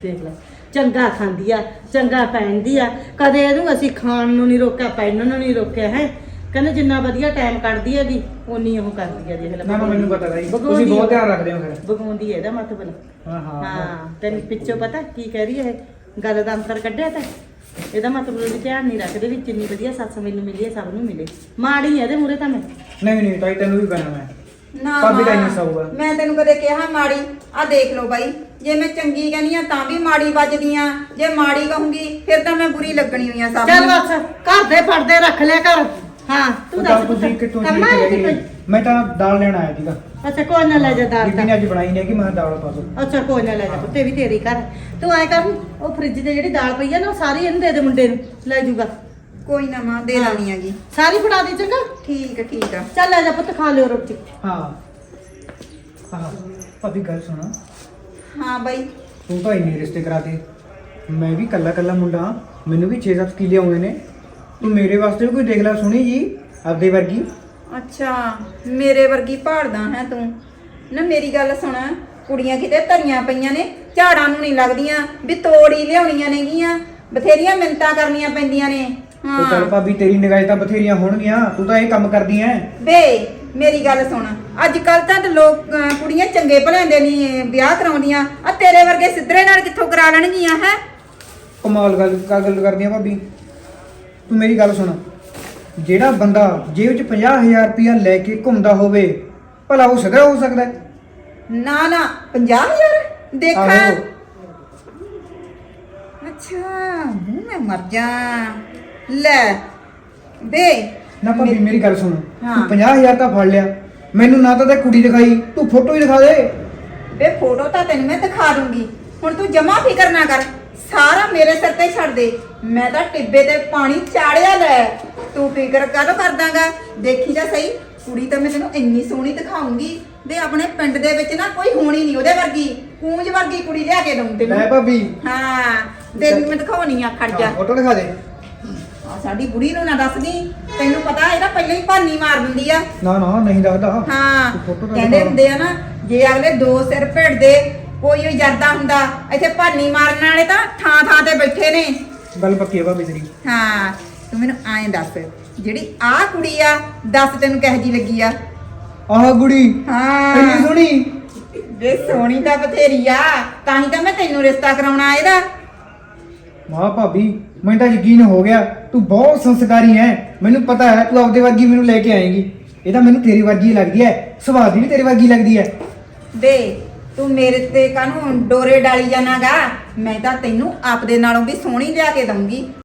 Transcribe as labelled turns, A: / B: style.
A: ਦੇਖ ਲੈ ਚੰਗਾ ਖਾਂਦੀ ਆ ਚੰਗਾ ਪਹਿਨਦੀ ਆ ਕਦੇ ਇਹਨੂੰ ਅਸੀਂ ਖਾਣ ਨੂੰ ਨਹੀਂ ਰੋਕਿਆ ਪਹਿਨਣ ਨੂੰ ਨਹੀਂ ਰੋਕਿਆ ਹੈ ਕਹਿੰਦੇ ਜਿੰਨਾ ਵਧੀਆ ਟਾਈਮ ਕੱਢਦੀ ਹੈਗੀ ਉਨੀ ਉਹ ਕਰਦੀ ਆ ਦੇਖ ਲੈ
B: ਨਾ ਮੈਨੂੰ ਪਤਾ ਨਹੀਂ
A: ਤੁਸੀਂ
B: ਬਹੁਤ ਧਿਆਨ ਰੱਖਦੇ ਹੋ ਫਿਰ
A: ਬਗਾਉਂਦੀ ਹੈ ਇਹਦਾ ਮਤਲਬ ਹਾਂ ਤੈਨੂੰ ਪਿੱਛੋਂ ਪਤਾ ਕੀ ਕਹਿ ਰਹੀ ਹੈ ਗੱਲ ਦਾ ਅੰਤਰ ਕੱਢਿਆ ਤਾਂ ਇਹਦਾ ਮਤਲਬ ਵੀ ਧਿਆਨ ਨਹੀਂ ਰੱਖਦੇ ਵੀ ਜਿੰਨੀ ਵਧੀਆ ਸੱਸ ਮੈਨੂੰ ਮਿਲੀ ਹੈ ਸਭ ਨੂੰ ਮਿਲੇ ਮਾੜੀ ਹੈ ਇਹਦੇ ਮੂਰੇ ਤਾਂ ਮੈਂ
B: ਨਹੀਂ ਤਾਈ ਤੈਨੂੰ ਵੀ ਪੈਣਾ ਮੈਂ
C: ਨਾ
B: ਭਾਬੀ ਤਾਂ ਨਹੀਂ ਸੌਗਾ
C: ਮੈਂ ਤੈਨੂੰ ਕਦੇ ਕਿਹਾ ਮਾੜੀ ਆ ਦੇਖ ਲਓ ਬਾਈ ਜੇ ਮੈਂ ਚੰਗੀ ਕਹਿੰਦੀ ਆ ਤਾਂ ਵੀ ਮਾੜੀ ਵੱਜਦੀ ਆ ਜੇ ਮਾੜੀ ਕਹੂੰਗੀ ਫਿਰ ਤਾਂ ਮੈਂ ਬੁਰੀ ਲੱਗਣੀ ਹੋਈ ਆ ਸਭ
A: ਚੱਲ ਬਸ ਘਰ ਦੇ ਪਰਦੇ ਰੱਖ ਲਿਆ ਕਰ ਹਾਂ ਤੂੰ ਦੱਸ
B: ਤੁਸੀਂ ਕਿੱਥੋਂ
A: ਕੰਮਾਂ
B: ਜੀ
A: ਕਿੱਥੋਂ?
B: ਮੈਂ ਤਾਂ ਦਾਲ ਲੈਣ ਆਇਆ ਸੀਗਾ
A: ਅੱਛਾ ਕੋਈ ਨਾ ਲੈ ਜਾ ਦਾਲ
B: ਬੀਬੀ ਨੇ ਅੱਜ ਬਣਾਈ ਨਹੀਂ ਕਿ ਮੈਂ ਦਾਲ ਪਾ ਦੋ
A: ਅੱਛਾ ਕੋਈ ਨਾ ਲੈ ਜਾ ਪੁੱਤੇ ਵੀ ਤੇਰੀ ਘਰ ਤੂੰ ਆਏ ਕਰ ਉਹ ਫ੍ਰਿਜ ਤੇ ਜਿਹੜੀ ਦਾਲ ਪਈ ਆ ਨਾ ਉਹ ਸਾਰੀ ਇਹਨੂੰ ਦੇ ਦੇ ਮੁੰਡੇ ਨੂੰ ਲੈ ਜੂਗਾ
C: ਕੋਈ ਨਾ ਮਾਂ ਦੇ ਲਾਉਣੀ ਆਗੀ
A: ਸਾਰੀ ਫੜਾ ਦੇ ਚੰਗਾ
C: ਠੀਕ ਆ
A: ਚੱਲ ਲੈ ਜਾ ਪੁੱਤ ਖਾ ਲਿਓ ਰੋਟੀ
B: ਹਾਂ ਭਾਬੀ ਗੱਲ ਸੁਣਾ
C: ਹਾਂ ਬਾਈ
B: ਤੂੰ ਤਾਂ ਇੰਨੇ ਰਿਸ਼ਤੇ ਕਰਾਤੇ ਮੈਂ ਵੀ ਕੱਲਾ ਮੁੰਡਾ ਮੈਨੂੰ ਵੀ 6-7 ਕਿੱਲੇ ਆਉਂਦੇ ਨੇ ਤੂੰ ਮੇਰੇ ਵਾਸਤੇ ਵੀ ਕੋਈ ਦੇਖ ਲੈ ਸੁਣੀ ਜੀ ਆਪਦੇ ਵਰਗੀ
C: ਅੱਛਾ ਮੇਰੇ ਵਰਗੀ ਭਾਲਦਾ ਹੈ ਤੂੰ ਨਾ ਮੇਰੀ ਗੱਲ ਸੁਣ ਕੁੜੀਆਂ ਕਿਤੇ ਧਰੀਆਂ ਪਈਆਂ ਨੇ ਝਾੜਾਂ ਨੂੰ ਨਹੀਂ ਲੱਗਦੀਆਂ ਵੀ ਤੋੜੀ ਲਿਆਉਣੀਆਂ ਨੇਗੀਆਂ ਬਥੇਰੀਆਂ ਮਿੰਤਾਂ ਕਰਨੀਆਂ ਪੈਂਦੀਆਂ ਨੇ
B: ਉਹ ਚੱਲ ਭਾਬੀ ਤੇਰੀ ਨਿਗਾਹ ਤਾਂ ਬਥੇਰੀਆਂ ਹੋਣਗੀਆਂ ਤੂੰ ਤਾਂ ਇਹ ਕੰਮ ਕਰਦੀ ਐ
C: ਵੇ ਮੇਰੀ ਗੱਲ ਸੁਣ ਅੱਜ ਕੱਲ ਤਾਂ ਲੋਕ ਕੁੜੀਆਂ ਚੰਗੇ ਭਲਿਆਂ ਦੇ ਨਹੀਂ ਵਿਆਹ ਕਰਾਉਂਦੀਆਂ ਆ ਤੇਰੇ ਵਰਗੇ ਸਿੱਧਰੇ ਨਾਲ ਕਿੱਥੋਂ ਕਰਾ ਲੈਣਗੀਆਂ ਹੈ
B: ਕਮਾਲ ਗੱਲ ਕਰਦੀ ਆ ਭਾਬੀ ਤੂੰ ਮੇਰੀ ਗੱਲ ਸੁਣ ਜਿਹੜਾ ਬੰਦਾ ਜੇਬ 'ਚ 50,000 ਰੁਪਇਆ ਲੈ ਕੇ ਘੁੰਮਦਾ ਹੋਵੇ ਭਲਾ ਉਹ ਸਦਾ ਹੋ ਸਕਦਾ ਹੈ?
C: ਨਾ 50,000 ਦੇਖਾਂ
B: ਆਹੋ।
C: ਅੱਛਾ ਮੈਂ ਮਰ ਜਾ ਲੈ ਵੇ
B: ਨਾ ਭਾਬੀ ਮੇਰੀ ਗੱਲ ਸੁਣ
C: ਹਾਂ।
B: ਤੂੰ 50,000 ਤਾਂ ਫੜ ਲਿਆ ਮੈਨੂੰ ਨਾ ਤਾਂ ਤੇ ਕੁੜੀ ਦਿਖਾਈ ਤੂੰ ਫੋਟੋ ਹੀ ਦਿਖਾ ਦੇ
C: ਵੇ ਫੋਟੋ ਤਾਂ ਤੈਨੂੰ ਮੈਂ ਦਿਖਾ ਦੂੰਗੀ ਹੁਣ ਤੂੰ ਜਮਾ ਫਿਕਰ ਨਾ ਕਰ ਸਾਰਾ ਮੇਰੇ ਸਿਰ ਤੇ ਛੱਡ ਦੇ ਮੈਂ ਤਾਂ ਟਿੱਬੇ ਤੇ ਪਾਣੀ ਚਾੜਿਆ ਲੈ ਤੂੰ ਫਿਕਰ ਕਾਹਦੋਂ ਕਰਦਾਗਾ ਦੇਖੀ ਤਾਂ ਸਹੀ ਕੁੜੀ ਤਾਂ ਮੈਂ ਤੈਨੂੰ ਇੰਨੀ ਸੋਹਣੀ ਦਿਖਾਉਂਗੀ ਵੇ ਆਪਣੇ ਪਿੰਡ ਦੇ ਵਿੱਚ ਨਾ ਕੋਈ ਹੋਣੀ ਨਹੀਂ ਉਹਦੇ ਵਰਗੀ ਕੂੰਜ ਵਰਗੀ ਕੁੜੀ ਲਿਆ ਕੇ ਦਊਂ ਤੈਨੂੰ
B: ਲੈ ਭਾਬੀ
C: ਹਾਂ ਤੈਨੂੰ ਮੈਂ ਦਿਖਾਉਣੀ ਆ ਖੜ ਜਾ
B: ਫੋਟੋ ਦਿਖਾ ਦੇ
C: ਆ ਸਾਡੀ ਬੁੜੀ ਨੂੰ ਨਾ ਦੱਸਦੀ ਤੈਨੂੰ ਪਤਾ ਇਹਦਾ ਪਹਿਲਾਂ ਹੀ ਭਾਨੀ ਮਾਰ ਦਿੰਦੀ ਆ
B: ਨਾ ਨਹੀਂ ਦੱਸਦਾ
C: ਹਾਂ
B: ਤੂੰ photo ਤਾਂ
C: ਕਹਿੰਦੇ
B: ਦਿਖਾ।
C: ਹੁੰਦੇ ਆ ਨਾ ਜੇ ਅਗਲੇ ਦੋ ਸਿਰ ਭਿੜਦੇ ਕੋਈ ਵੀ ਜਰਦਾ ਹੁੰਦਾ ਇੱਥੇ ਭਾਨੀ ਮਾਰਨ ਵਾਲੇ ਤਾਂ ਥਾਂ ਤੇ ਬੈਠੇ ਨੇ
B: ਗੱਲ ਪੱਕੀ ਹੈ ਭਾਬੀ ਤੇਰੀ
C: ਹਾਂ ਤੂੰ ਮੈਨੂੰ ਐਂ ਦੱਸ ਜਿਹੜੀ ਆਹ ਕੁੜੀ ਆ ਦੱਸ ਤੈਨੂੰ ਕਿਹੋ ਜੀ ਲੱਗੀ ਆ
B: ਆਹ ਕੁੜੀ
C: ਹਾਂ
B: ਇੰਨੀ ਸੋਹਣੀ
C: ਵੇ ਸੋਹਣੀ ਤਾਂ ਬਥੇਰੀ ਆ ਤਾਂ ਹੀ ਤਾਂ ਮੈਂ ਤੈਨੂੰ ਰਿਸ਼ਤਾ ਕਰਾਉਣਾ ਇਹਦਾ
B: ਵਾਹ ਭਾਬੀ ਮੈਨੂੰ ਤਾਂ ਯਕੀਨ ਹੋ ਗਿਆ ਤੂੰ ਬਹੁਤ ਸੰਸਕਾਰੀ ਹੈ ਮੈਨੂੰ ਪਤਾ ਹੈ ਤੂੰ ਆਪਦੇ ਵਰਗੀ ਮੈਨੂੰ ਲੈ ਕੇ ਆਏਂਗੀ ਇਹ ਤਾਂ ਮੈਨੂੰ ਤੇਰੀ ਵਰਗੀ ਲੱਗਦੀ ਹੈ ਸੁਭਾਅ ਦੀ ਵੀ ਤੇਰੀ ਵਰਗੀ ਲੱਗਦੀ ਹੈ
C: ਵੇ ਤੂੰ ਮੇਰੇ ਤੇ ਕਾਹਨੂੰ ਡੋਰੇ ਡਾਲੀ ਜਾਣਾਗਾ ਮੈਂ ਤਾਂ ਤੈਨੂੰ ਆਪਦੇ ਨਾਲੋਂ ਵੀ ਸੋਹਣੀ ਲਿਆ ਕੇ ਦਊਂਗੀ